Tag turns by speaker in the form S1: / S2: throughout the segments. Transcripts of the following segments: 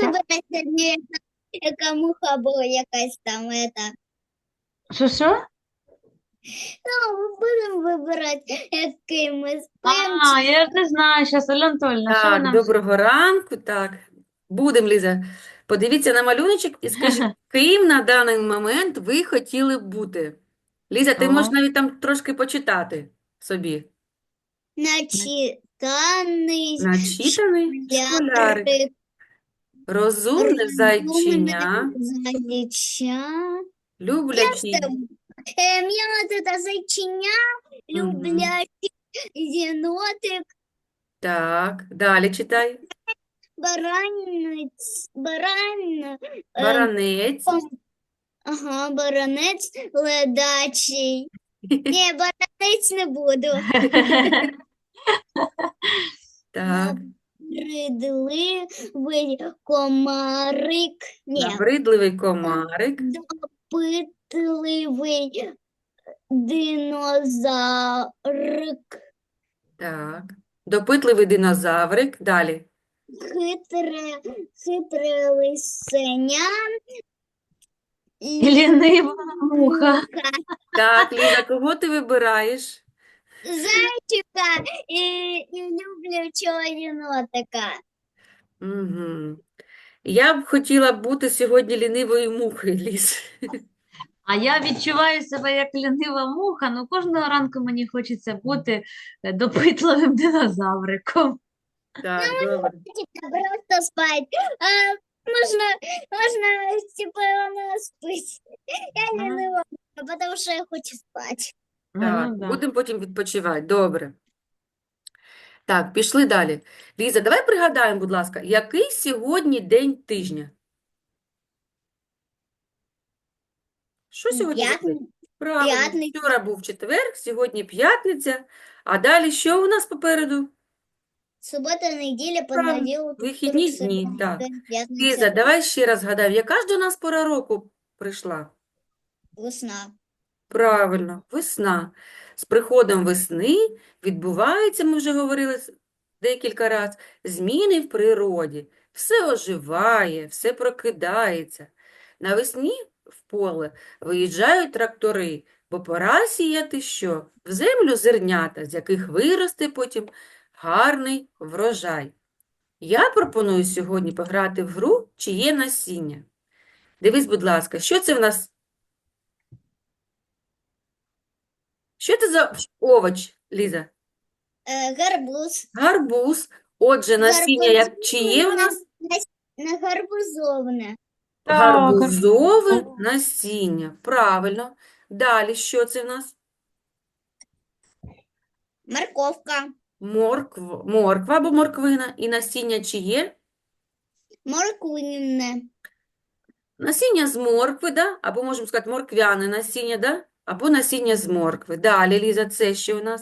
S1: вибирати сьогодні, яка муха була якась там,
S2: Що?
S1: Ну, будемо вибирати, який ми спимо.
S2: Я ж не знаю, зараз, Оля Анатольевна, що ви
S3: Так,
S2: нам...
S3: доброго ранку. Так, будемо, Ліза. Подивіться на малюночок і скажіть, ким на даний момент ви хотіли б бути? Ліза, ти можеш
S2: О,
S3: навіть там трошки почитати собі.
S1: Начитаний
S3: Начитаний школярик,
S1: школярик,
S3: розумне
S1: розумне
S3: зайчиня,
S1: зайча.
S3: люблячий.
S1: Я вот это зайчиня,
S3: Мгм.
S1: люблячий єнотик,
S3: Так, далі читай. Баранець.
S1: Баранець ледачий. Ні, баранець не буду.
S3: Так,
S1: Набридливий комарик. Ні,
S3: набридливий комарик.
S1: допитливий динозаврик.
S3: Так, допитливий динозаврик. Далі.
S1: Хитре лисеня.
S2: лінива муха.
S3: Так, Ліза, кого ти вибираєш?
S1: Зайчика і люблячого єнотика.
S3: Угу. Я б хотіла бути сьогодні лінивою мухою, Ліз.
S2: А я відчуваю себе як лінива муха, ну кожного ранку мені хочеться бути допитливим динозавриком.
S3: Так, добре.
S1: Просто спать. Можна, типа, вона спить. Я
S2: Ага.
S1: ленива, потому що я хочу спати.
S3: Так,
S2: Ну, да.
S3: будемо потім відпочивати. Добре. Так, пішли далі. Ліза, давай пригадаємо, будь ласка, який сьогодні день тижня? Що сьогодні за день? Правильно,
S1: П'ятниця.
S3: вчора був четвер, сьогодні п'ятниця, а далі що у нас попереду?
S1: Субота, неділя,
S3: Правильно,
S1: понеділок,
S3: вихідні
S1: вівторок,
S3: дні,
S1: середа,
S3: так.
S1: п'ятниця,
S3: Ліза, давай ще раз згадаємо, яка ж до нас пора року прийшла?
S1: весна.
S3: Правильно, весна. З приходом весни відбуваються, ми вже говорили декілька разів, зміни в природі. Все оживає, все прокидається. Навесні в поле виїжджають трактори, бо пора сіяти що? В землю зернята, з яких виросте потім гарний врожай. Я пропоную сьогодні пограти в гру «Чиє насіння?». Дивись, будь ласка, що це в нас? Що це за овоч, Ліза?
S1: Гарбуз.
S3: Гарбуз. Отже, насіння як чиє у нас?
S1: На гарбузовне.
S2: Так,
S3: Гарбузове насіння. Правильно. Далі що це в нас?
S1: Морковка.
S3: Морква або морквина. І насіння чиє?
S1: Морквине.
S3: Насіння з моркви, да? Або можемо сказати морквяне насіння, да? Або насіння з моркви. Далі, Ліза, це що у нас?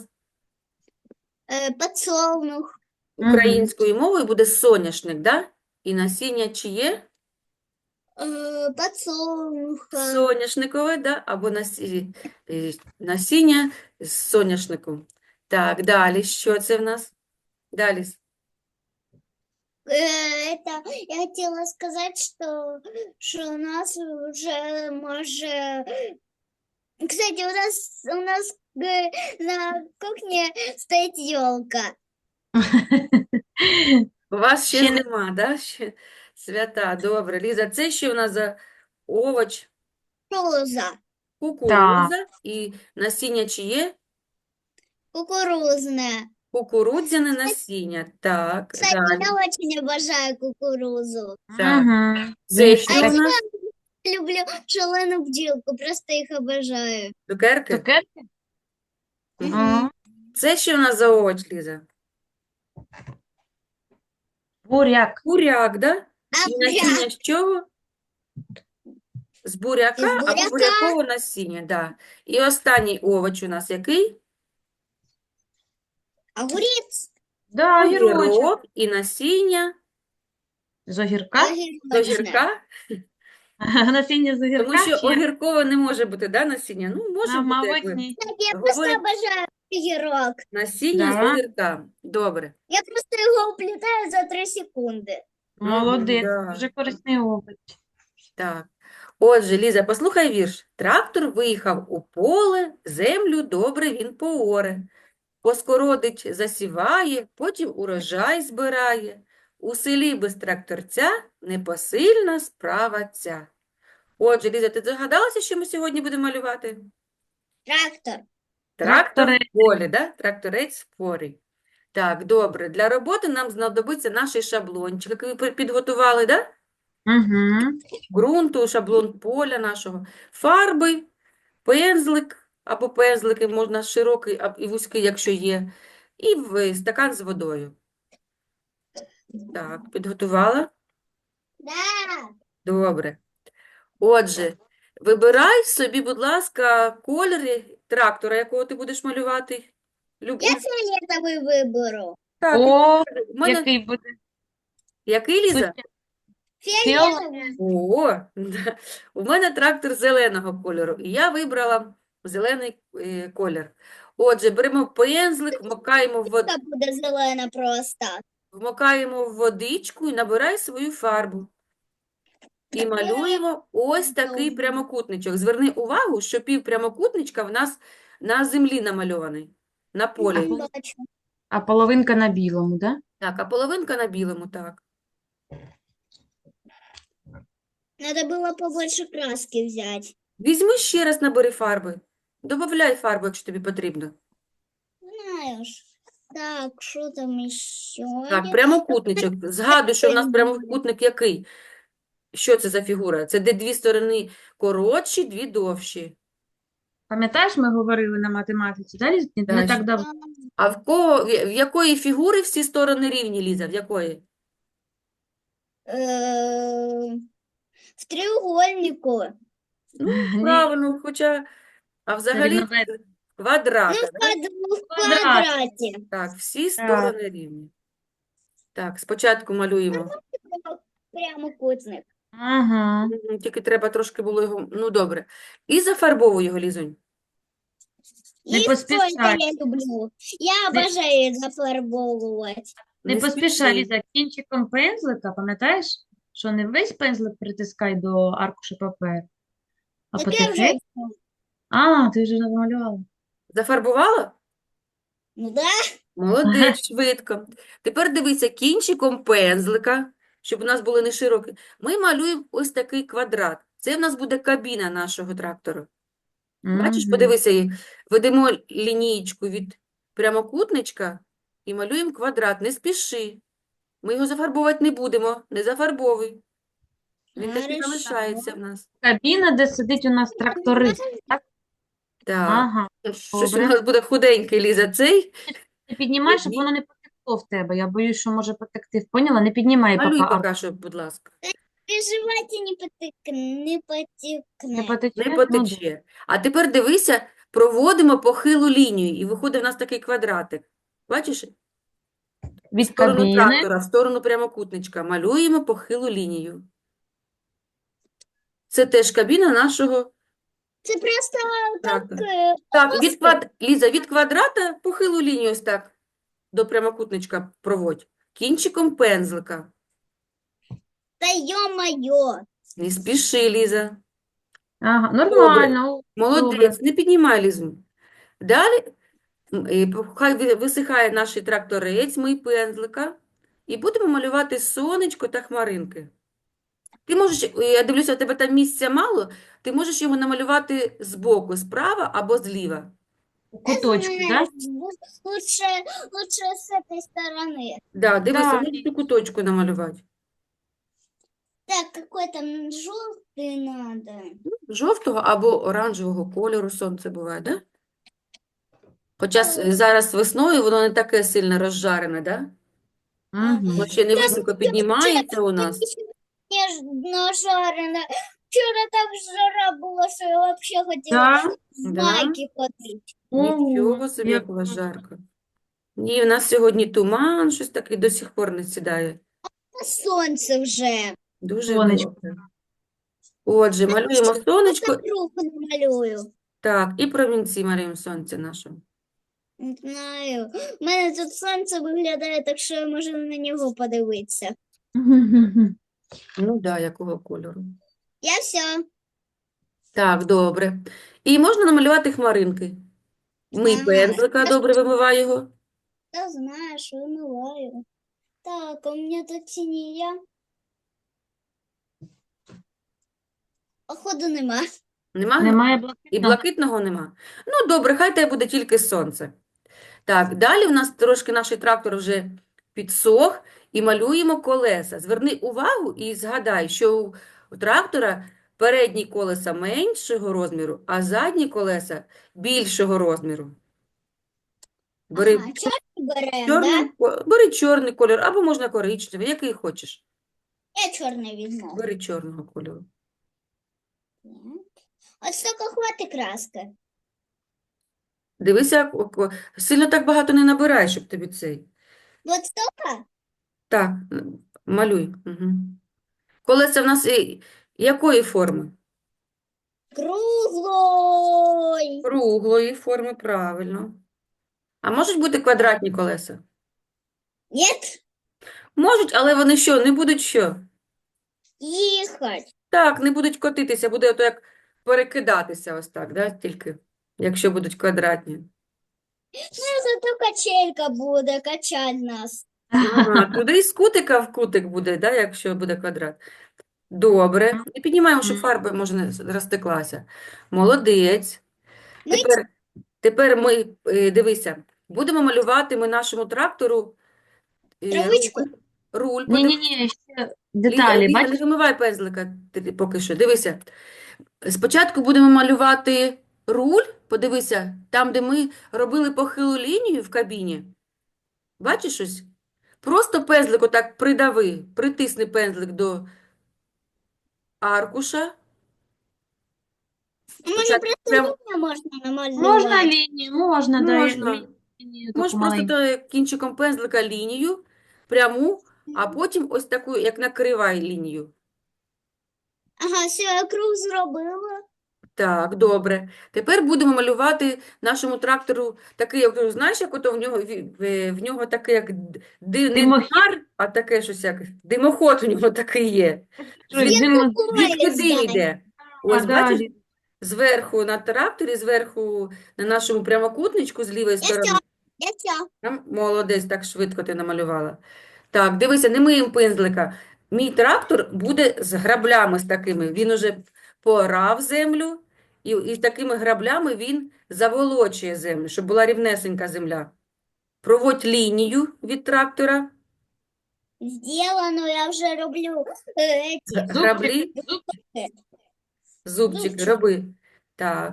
S1: Подсолнух.
S3: Українською мовою буде соняшник, да? І насіння чиє?
S1: Подсолнуха.
S3: Соняшникове, да? Або насіння з соняшнику. Так, далі, що це в нас? Далі.
S1: Я хотела сказать, что у нас уже может... Кстати, у нас на кухне стоит елка.
S3: У вас ще
S2: Ще не-
S3: зима, да? Ще свята, добре. Ліза, це що у нас за овоч?
S1: Роза.
S3: Кукурудза. І насіння чиє?
S1: Кукурузная.
S3: Кукурудзяне насіння. Так,
S1: Кстати,
S3: далі.
S1: я очень обожаю кукурузу.
S3: Так.
S2: Мгм.
S3: Це
S2: Їх
S3: що
S1: А
S3: у
S1: еще
S3: нас?
S1: люблю шаленую бджілку, просто их обожаю.
S3: Цукерки?
S2: Цукерки?
S3: Мгм. Це що у нас за овоч, Ліза?
S2: Буряк.
S3: Буряк, да?
S1: А
S3: І насіння з чого? З буряка
S1: Із
S3: або
S1: буряка.
S3: бурякового насіння, да. І останній овоч у нас який?
S1: огурец.
S2: Да, огірочок.
S3: Огірок і насіння
S2: З огірка?
S3: з
S1: Огірочне.
S3: огірка.
S2: Насіння з
S3: Тому
S2: огірка?
S3: що
S2: Чи?
S3: огіркове не може бути, да, насіння? Ну, може
S2: А,
S3: бути,
S2: мабуть,
S3: якби.
S2: ні.
S1: Кстати, я просто
S3: Говорять,
S1: обожаю огірок.
S3: насіння з
S2: Да.
S3: огірка. Добре.
S1: Я просто его уплетаю за 3 секунды.
S2: Молодець,
S3: да.
S2: дуже корисний опит.
S3: Так. Отже, Ліза, послухай вірш. Трактор виїхав у поле, землю добре він пооре. Поскородить засіває, потім урожай збирає. У селі без тракторця непосильна справа ця. Отже, Ліза, ти здогадалася, що ми сьогодні будемо малювати?
S1: Трактор.
S3: Трактор в
S2: Тракторець.
S3: полі, да? Тракторець в полі. Так, добре. Для роботи нам знадобиться наш шаблончик, який ви підготували, да?
S2: Угу.
S3: Ґрунту, шаблон поля нашого, фарби, пензлик або пензлики, можна широкий і вузький, якщо є, і стакан з водою. Так, підготувала?
S1: Да.
S3: Добре. Отже, вибирай собі, будь ласка, кольори трактора, якого ти будеш малювати.
S1: Я фиолетовый выберу.
S3: Так,
S2: О,
S3: у мене
S2: який буде
S3: який, Ліза?
S2: сучасний.
S1: Фиолетовый.
S3: О, да. У мене трактор зеленого кольору, і я вибрала зелений колір. Отже, беремо пензлик,
S1: Это буде зелена просто.
S3: вмокаємо в водичку і набирай свою фарбу. І малюємо ось такий прямокутничок. Зверни увагу, що півпрямокутничка в нас на землі намальований, на полі.
S1: Бачу.
S2: А половинка на білому, да?
S3: Так, а половинка на білому, так.
S1: Надо было побольше краски взять.
S3: Візьми ще раз, набери фарби. Добавляй фарбу, якщо тобі потрібно.
S1: Знаешь. Так, что там еще?
S3: Так, прямокутничок. Згадуй, що в нас прямокутник який? Що це за фігура? Це де дві сторони коротші, дві довші.
S2: Пам'ятаєш, ми говорили на математиці, да, Ліз? Не
S3: Так.
S2: так давно.
S3: А в якої фігури всі сторони рівні, Ліза? В якої?
S1: В треугольнику.
S3: Ну,
S2: Ні.
S3: правильно, хоча, а взагалі
S2: Рівновидно.
S3: квадрата,
S1: В
S3: да?
S1: квадрате.
S3: Так, всі сторони рівні. Так, спочатку малюємо.
S1: Прямокутник.
S2: Ага.
S3: Тільки треба трошки було його, ну добре. І зафарбовуй його, Лізунь.
S2: Не
S1: И что это
S2: поспішай.
S1: я люблю? Я обожаю зафарбовывать.
S2: Не
S3: Не
S2: поспішай,
S3: спіши.
S2: Ліза, кінчиком пензлика, пам'ятаєш, що не весь пензлик притискай до аркуша паперу, а
S1: Так я
S2: потихеньку.
S1: уже...
S2: А, ти вже намалювала.
S3: Зафарбувала?
S1: Ну да.
S3: Молодець, швидко. Тепер дивися, кінчиком пензлика, щоб у нас були не широкі, ми малюємо ось такий квадрат. Це в нас буде кабіна нашого трактора. Бачиш,
S2: Мгм.
S3: подивися, ведемо лінієчку від прямокутничка і малюємо квадрат. Не спіши. Ми його зафарбовувати не будемо. Не зафарбовуй. Він такий
S1: Хорошо.
S3: залишається в нас.
S2: Кабіна, де сидить у нас тракторист. Так?
S3: Так.
S2: Ага.
S3: Щось у
S2: Добре.
S3: нас буде худенький, Ліза, цей.
S2: Не піднімай, щоб воно не потекло в тебе. Я боюсь, що може потекти. Поняла? Не піднімай
S3: Малюй
S2: поки
S3: поки що, будь ласка.
S1: Переживайте, не потекне.
S2: Не потече.
S3: Не
S2: Ну,
S3: потече. А тепер дивися, проводимо похилу лінію, і виходить в нас такий квадратик. Бачиш? В
S2: від
S3: сторону
S2: кабіни.
S3: трактора, в сторону прямокутничка. Малюємо похилу лінію. Це теж кабіна нашого
S1: Це просто
S3: трактора.
S1: е,
S3: Так, Ліза, від квадрата похилу лінію ось так до прямокутничка проводь. Кінчиком пензлика.
S1: та йо-моє.
S3: Не спіши, Ліза.
S2: Ага, нормально. Добре.
S3: Молодець, не піднімай Лізу. Далі хай висихає наш тракторець, мий пензлика, і будемо малювати сонечко та хмаринки. Ти можеш, я дивлюся, у тебе там місця мало, ти можеш його намалювати збоку, справа або зліва.
S2: У куточку, да?
S1: Лучше с этой стороны.
S3: Да, дивися,
S2: Так.
S3: можеш у куточку намалювати.
S1: Так, какой там желтый надо.
S3: Жовтого або оранжевого кольору сонце буває, да? Хоча зараз весною воно не таке сильно розжарене, да?
S2: Угу.
S3: Воно ще не високо піднімається у нас.
S1: Нежно жарено. Вчера так жара была, что я вообще хотела
S2: Так.
S1: в
S3: Да?
S1: майке ходить.
S3: Нічого собі, як у вас жарко. Ні, в нас сьогодні туман, щось таке до сих пор не сідає.
S1: А солнце уже.
S3: Дуже
S2: Сонечко.
S3: добре. Отже, малюємо сонечко,
S1: Круг намалюю.
S3: так, і промінці малюємо сонця нашого.
S1: Не знаю. У мене тут сонце виглядає так, що я можу на нього подивитися.
S3: Ну да, якого кольору.
S1: Я все
S3: Так, добре. І можна намалювати хмаринки. Мий
S1: знаю.
S3: пензлика, добре вимивай його.
S1: Я знаешь, вымываю. Так, у меня тут синяя. Походу нема.
S3: Нема?
S2: Немає
S3: І
S2: блакитного?
S3: блакитного нема. Ну, добре, хай тебе буде тільки сонце. Так, далі у нас трошки наш трактор вже підсох і малюємо колеса. Зверни увагу і згадай, що у трактора передні колеса меншого розміру, а задні колеса більшого розміру. Бери
S1: Ага, черный берем, да?
S3: бери чорний кольор, або можна коричневий, який хочеш.
S1: Я черный возьму.
S3: Бери чорного кольору.
S1: Так. Вот столько хватит краска.
S3: Дивися, сильно так багато не набирай, щоб тобі цей.
S1: Вот столько?
S3: Так, малюй. Угу. Колеса в нас якої форми?
S1: Круглой.
S3: Круглої форми, правильно. А можуть бути квадратні колеса?
S1: Нет?
S3: Можуть, але вони що, не будуть що?
S1: Ехать.
S3: Так, не будуть котитися, буде ото як перекидатися ось так, да? Тільки, якщо будуть квадратні.
S1: Ну, зато качелька буде качать нас.
S3: Ага, туди з кутика в кутик буде, да, якщо буде квадрат. Добре. І піднімаємо, щоб фарба, може, не розтеклася. Молодець.
S1: Ми
S3: Тепер ми, дивися, будемо малювати ми нашому трактору
S1: травичку.
S3: руль.
S2: Ні-ні-ні, ще деталі,
S3: Ліза, не
S2: бачиш?
S3: вимивай пензлика поки що. Дивися. Спочатку будемо малювати руль. Подивися, там, де ми робили похилу лінію в кабіні. Бачиш ось? Просто пензлик отак придави, притисни пензлик до аркуша.
S1: Може,
S3: Спочатку
S1: просто
S3: прям
S1: лінію можна
S2: Можна
S1: намалювати?
S2: лінію, можна, да,
S3: можна.
S2: лінію
S3: Можеш
S2: таку
S3: просто
S2: маленьку.
S3: кінчиком пензлика лінію пряму, а потім ось таку, як накривай лінію.
S1: Ага, все, я круг зробила.
S3: Так, добре. Тепер будемо малювати нашому трактору такий, як, знаєш, як ото в нього такий, як не
S2: Димохід.
S3: димар, а таке щось як димоход у нього такий є.
S2: Щось диму-
S3: Звідки дим йде? Ось,
S2: да,
S3: бачиш, зверху на тракторі, зверху на нашому прямокутничку з лівої сторони.
S1: Я все.
S3: Молодець, так швидко ти намалювала. Так, дивися, не миємо пензлика. Мій трактор буде з граблями з такими. Він уже поорав землю, і з такими граблями він заволочує землю, щоб була рівнесенька земля. Проводь лінію від трактора.
S1: Сделано, я вже роблю эти.
S3: Граблі,
S2: Зубчик.
S3: зубчики,
S1: Зубчик.
S3: роби. Так,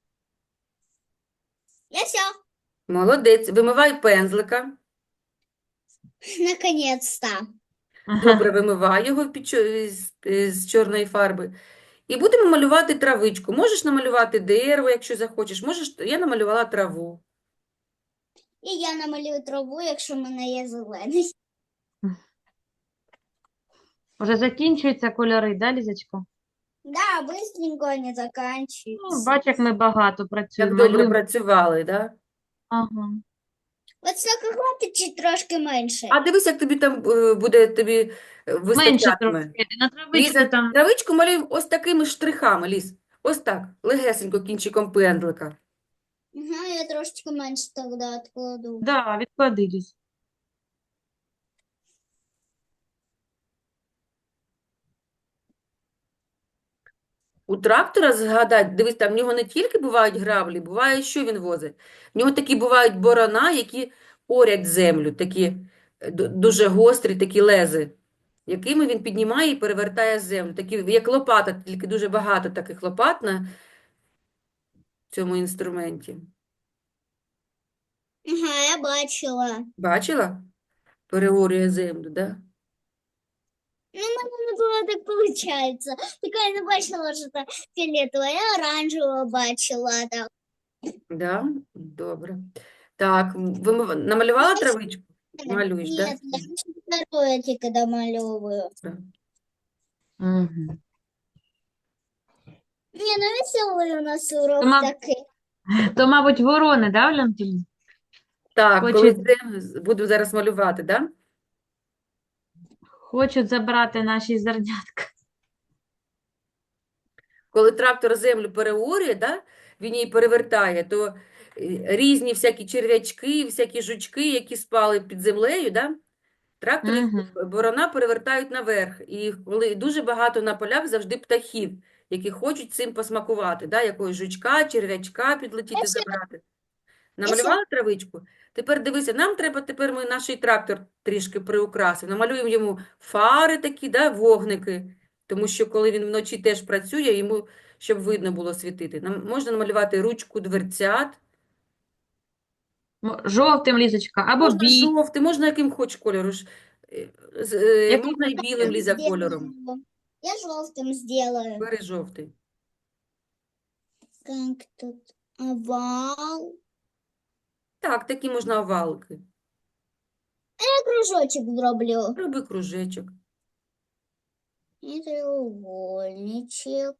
S1: Я все.
S3: молодець. Вимивай пензлика.
S1: Наконец-то.
S3: Добре, вимивай його з чорної фарби. І будемо малювати травичку. Можеш намалювати дерево, якщо захочеш. Можеш, я намалювала траву.
S1: І я намалюю траву, якщо в мене є зелений.
S2: Вже закінчуються кольори, да, Лізочка?
S1: Да, быстренько они
S2: Ну,
S1: заканчиваются.
S2: бач, як ми багато
S3: Як
S2: працюємо.
S3: добре
S2: Малюємо.
S3: працювали, да?
S2: Ага.
S1: От стільки хватить чи трошки менше?
S3: А дивись, як тобі там буде тобі
S2: Менше
S3: вистачатиме.
S2: трошки. На травичку
S3: Ліза,
S2: там.
S3: травичку малюємо ось такими штрихами, Ліз. Ось так, легесенько кінчиком пензлика.
S1: Ага, я трошечки менше тоді відкладу.
S2: Да, відклади, Ліз.
S3: У трактора, згадай, дивись, там в нього не тільки бувають граблі, буває, що він возить. В нього такі бувають борона, які орять землю, такі дуже гострі, такі лези, якими він піднімає і перевертає землю. Такі, як лопата, тільки дуже багато таких лопат на цьому інструменті.
S1: Ага, я бачила.
S3: Бачила? Переорює землю, да?
S1: Ну, в мене не було так виходить. Така я не бачила, що це фіолетово, я оранжево бачила. Так.
S3: Да? Добре. Так, ви намалювала травичку? Малюєш, да?
S1: Нет, я второе тільки домальовую.
S3: Да.
S2: Угу.
S1: Не, ну веселий у нас урок
S2: Тома-
S1: такий.
S2: То, мабуть, ворони, да, Валентин?
S3: Так,
S2: Хоче-
S3: коли це буду зараз малювати, да?
S2: Хочуть забрати наші зернятка.
S3: Коли трактор землю переорює, да, він її перевертає, то різні всякі черв'ячки, всякі жучки, які спали під землею, да, трактор їх
S2: Угу.
S3: борона перевертають наверх. І коли дуже багато на полях завжди птахів, які хочуть цим посмакувати, да, якогось жучка, черв'ячка підлетіти забрати. Намалювала травичку? Тепер дивися, нам треба, тепер ми наш трактор трішки приукрасимо. Намалюємо йому фари такі, да, вогники. Тому що коли він вночі теж працює, йому, щоб видно було світити. Нам можна намалювати ручку дверцят.
S2: Жовтим, Лізочка, або
S3: Можна
S2: бій.
S3: жовтий, можна яким хоч кольору.
S2: Який
S3: Можна і білим, Ліза, кольором.
S1: Я желтым сделаю.
S3: Бери жовтий.
S1: Как тут овал.
S3: Так, такі можна овалки.
S1: Я кружочек зроблю.
S3: Роби кружечок.
S1: И треугольничек.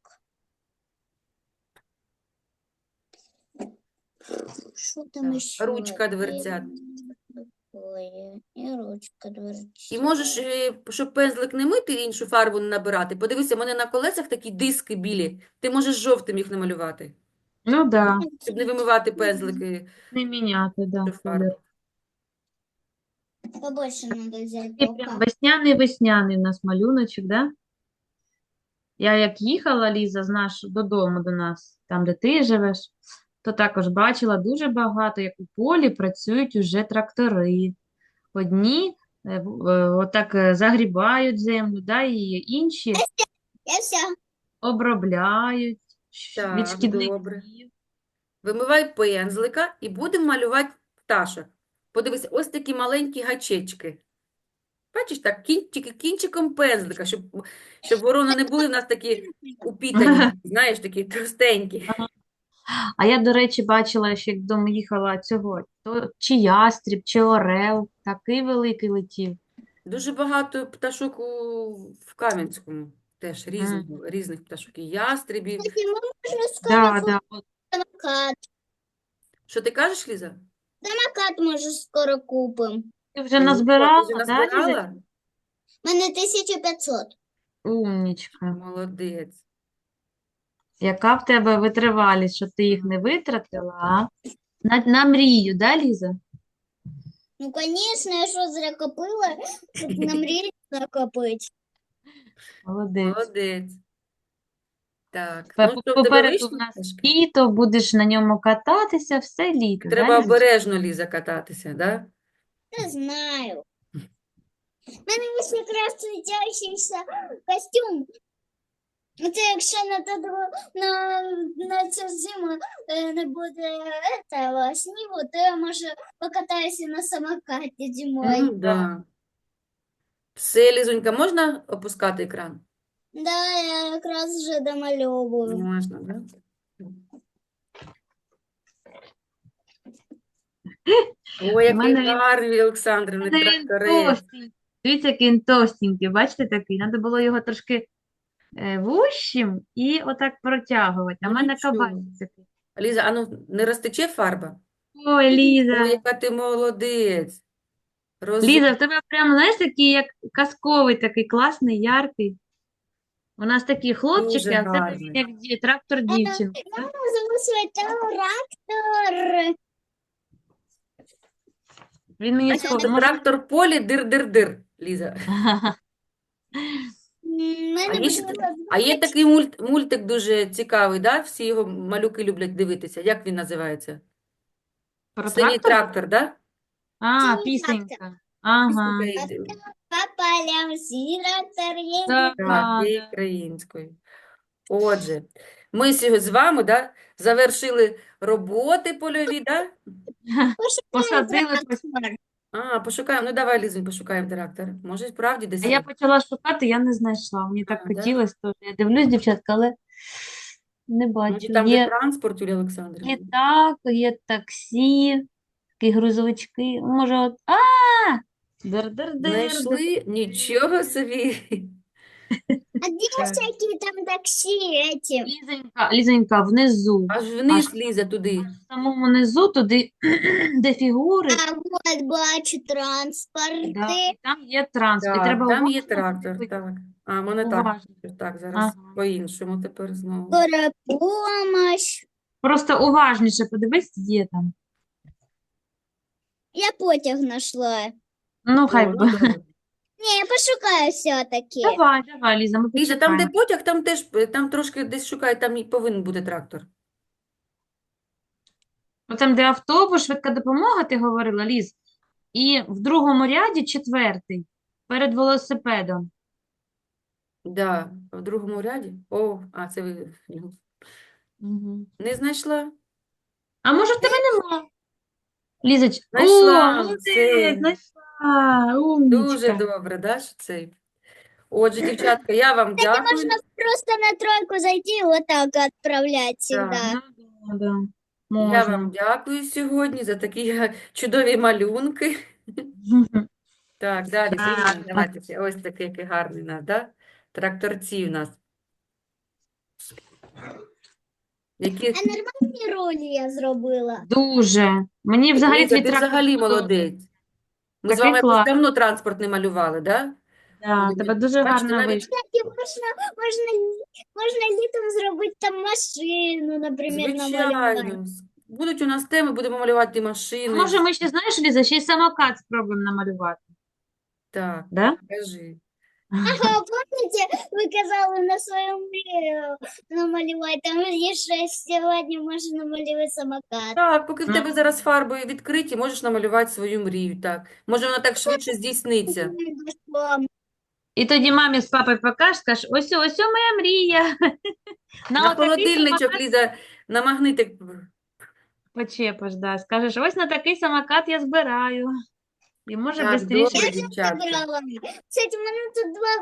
S1: Что там
S3: Так,
S1: еще?
S3: ручка дверцят.
S1: Такое. И ручка дверцят.
S3: І можеш, щоб пензлик не мити, іншу фарбу не набирати. Подивися, в мене на колесах такі диски білі. Ти можеш жовтим їх намалювати,
S2: Ну, да.
S3: щоб не вимивати пензлики
S2: Не міняти, да,
S3: до фарби.
S2: колір.
S1: Побольше надо взять
S2: Такий прям
S1: белка.
S2: весняний-весняний у нас малюночок, да? Я як їхала, Ліза, додому до нас, там, де ти живеш, то також бачила дуже багато, як у полі працюють уже трактори. Одні отак загрібають землю, да, і інші
S1: Я вся.
S2: обробляють від
S3: Так, добре.
S2: шкідників.
S3: Вимивай пензлика і будемо малювати пташок. Подивися, ось такі маленькі гачечки. Бачиш, так, тільки кінчиком пензлика, щоб ворони не були в нас такі упітані, знаєш, такі товстенькі.
S2: А я, до речі, бачила, що як додому їхала цього, то чи ястріб, чи орел, такий великий летів.
S3: Дуже багато пташок в Кам'янському, теж
S2: Мгм.
S3: різних пташок, і ястребів.
S1: Кстати, мы можем скоро
S2: Да, да. От
S1: самокат.
S3: Що ти кажеш, Ліза?
S1: Самокат може скоро купим.
S2: ти вже
S3: О,
S2: назбирала,
S3: ти вже
S2: да, Ліза?
S3: назбирала?
S1: У мене 1500.
S2: Умнічка.
S3: Молодець.
S2: Яка в тебе витривалість, що ти їх не витратила, а? На мрію, да, Ліза?
S1: Ну, конечно, я що зря копила, щоб на мрію накопити.
S2: Молодець.
S3: Молодець. Так, ну що, в тебе
S2: Попереду
S3: вийшли
S2: в нас
S3: пташки?
S2: літо, будеш на ньому кататися все літо, да,
S3: Треба
S2: Лізочка?
S3: обережно, Ліза, кататися, да?
S1: Не знаю. У мене є якраз світящийся костюм. Це якщо на цю зиму не буде этого снігу, то я, може, покатаюся на самокаті зимою.
S3: Да. Все, Лізонька, можна опускати екран?
S1: Да, я якраз вже домальовую.
S3: Можна, да? Ой,
S2: У
S3: який
S2: мене він
S3: гарний, Олександрівни, тракторець.
S2: товстенький. Дивіться, який він товстенький. Бачите такий? Треба було його трошки вущим і отак протягувати. А в
S3: Ну,
S2: мене
S3: нічого.
S2: кабанчик такий.
S3: Ліза, а ну не розтече фарба?
S2: Ой,
S3: Ой,
S2: Ліза.
S3: яка ти молодець.
S2: Ліза, в тебе прям, знаєш, такий, як казковий, такий класний, яркий. У нас такі хлопчики,
S3: Дуже
S2: а в тебе
S3: гарний.
S2: він як трактор дівчинка.
S1: Я назову свій трактор.
S2: Він мені
S3: Бачиш,
S2: схожий.
S3: це трактор полі дир-дир-дир, Ліза.
S1: Мене
S3: А є такий мультик дуже цікавий, да? Всі його малюки люблять дивитися. Як він називається?
S2: Про
S3: Синій
S2: трактор?
S3: трактор, да?
S2: А,
S1: Синій
S2: пісенька. Ага.
S3: Пісенька
S1: по полям синій трактор є.
S2: Так,
S3: Так, є українською. Отже, ми сьогодні з вами, да, завершили роботи польові, да?
S2: Посадили.
S3: Пошукаємо. Ну, давай, Лізунь, пошукаємо трактор. Може, справді десь
S2: А я
S3: є.
S2: почала шукати, я не знайшла. Мені так
S3: да?
S2: хотілося теж. Я дивлюсь, дівчатка, але не
S3: Може,
S2: бачу.
S3: там, де
S2: Є
S3: транспорт, Юлія Олександрівна?
S2: літак, є таксі, такі грузовички. Може, от. Дир-дир-дир.
S3: Знайшли? Нічого собі.
S1: А где всякие там такси эти?
S2: Лізонька, внизу.
S3: Аж вниз, Ліза, туди.
S2: В самому низу, туди, де фігури,
S1: А вот бачу транспорты.
S2: да, і там є транспорт. І
S3: Так,
S2: треба
S3: там є
S2: уважно
S3: трактор,
S2: дивитися.
S3: так. А, в мене так.
S2: Уважно.
S3: Так, зараз
S2: Ага.
S3: по-іншому тепер знову.
S1: Скорая помощь.
S2: Просто уважніше подивись, є там.
S1: Я потяг нашла.
S2: Ну,
S3: О,
S2: хай
S3: ну,
S2: буде.
S3: добре.
S1: Не, я пошукаю все-таки.
S2: Давай, Ліза, ми
S3: Ліза, там, де
S2: почекаємо.
S3: потяг, там теж, там трошки десь шукай, там і повинен бути трактор.
S2: Там, де автобус, швидка допомога, ти говорила, Ліз. І в другому ряді четвертий, перед велосипедом.
S3: Да, в другому ряді. О, а це ви
S2: Угу.
S3: не знайшла?
S2: А може в тебе нема? Лізоч,
S3: Знайшла,
S2: о, молодець,
S3: це
S2: знайшла,
S3: дуже
S2: умнічка.
S3: добре, да, що це? Отже, дівчатка, я вам дякую.
S1: Можно просто на тройку зайти и вот так отправлять всегда.
S2: Ну, да,
S3: Я вам
S2: можна.
S3: дякую сьогодні за такі чудові малюнки. Так, далі,
S2: Так,
S3: Зіна, давайте ще. Ось такий який гарний у нас, да? Тракторці у нас. Які...
S1: А нормальні ролі я зробила.
S2: Дуже. Мені взагалі
S3: Ліза,
S2: твій
S3: ти
S2: трактор
S3: взагалі
S2: подобається.
S3: молодець. Ми з
S2: Такий
S3: вами якось
S2: клас.
S3: давно транспорт не малювали, да?
S2: Да, тебе дуже
S3: Бачите,
S2: гарно
S3: навіть
S2: вийшло.
S1: Кстати, можна літом зробити там машину, наприклад, намалювати.
S3: Звичайно. Будуть у нас теми, будемо малювати
S2: А
S3: машини.
S2: може ми ще, знаєш, Ліза, ще й самокат спробуємо намалювати.
S3: Так,
S2: Да?
S3: кажи.
S1: Ага, помните, ви казали на свою мрію намалювати, там є ще сьогодні можна намалювати самокат.
S3: Так, поки в тебе зараз фарби відкриті, можеш намалювати свою мрію, так. Може, вона так швидше здійсниться.
S2: І тоді мамі з папою покажеш, скажеш, ось моя мрія.
S3: На
S2: отакий
S3: холодильничок,
S2: самокат
S3: Ліза, на магнитик.
S2: почепиш, да. Скажеш, ось на такий самокат я збираю. І може
S3: Так,
S2: швидше.
S3: добре, дівчатка.
S1: Кстати, у мене тут два